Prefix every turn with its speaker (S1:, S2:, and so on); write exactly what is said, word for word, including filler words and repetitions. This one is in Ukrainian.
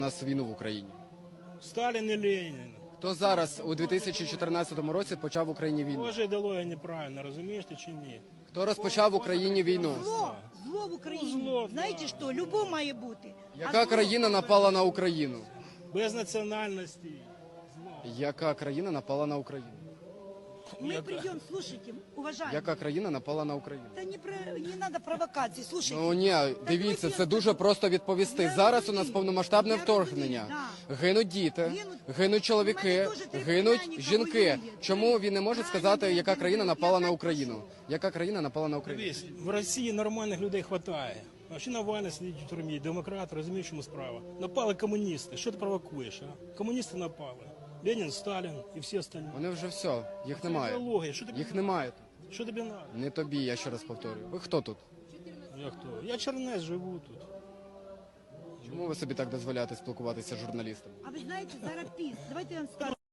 S1: У нас війну в Україні?
S2: Сталін і Ленін.
S1: Хто зараз у дві тисячі чотирнадцятому році почав в Україні війну?
S2: Тоже ідеологія неправильно, розумієш ти чи ні?
S1: Хто розпочав в Україні війну?
S3: Зло, зло в Україні.
S2: Ну, зло,
S3: Знаєте
S2: да.
S3: що, любов має бути.
S1: Яка країна напала на Україну?
S2: Без національності.
S1: Яка країна напала на Україну?
S3: Мы придем, слушайте, уважаемые.
S1: Яка країна напала на Україну?
S3: Та не, про, не надо провокацій, слушайте.
S1: Ну ні, дивіться, це дуже просто відповісти. Зараз у нас повномасштабне вторгнення. Гинуть діти, гинуть чоловіки, гинуть жінки. Чому він не може сказати, яка країна напала на Україну? Яка країна напала на Україну?
S2: Дивись, в Росії нормальних людей вистачає. А ще Навальний сидить у тюрмі, демократ, розумієш, чому справа. Напали комуністи, що ти провокуєш, а? Комуністи напали. Ленін, Сталін і всі остальні.
S1: Вони вже все, їх немає.
S2: Ідеологія, що тобі,
S1: Їх немає.
S2: що тобі треба?
S1: Не тобі, я ще раз повторюю. Ви хто тут?
S2: Я хто? Я чернець, живу тут.
S1: Чому ви собі так дозволяєте спілкуватися з журналістами?
S3: А ви знаєте, зараз піс. Давайте я вам скажу.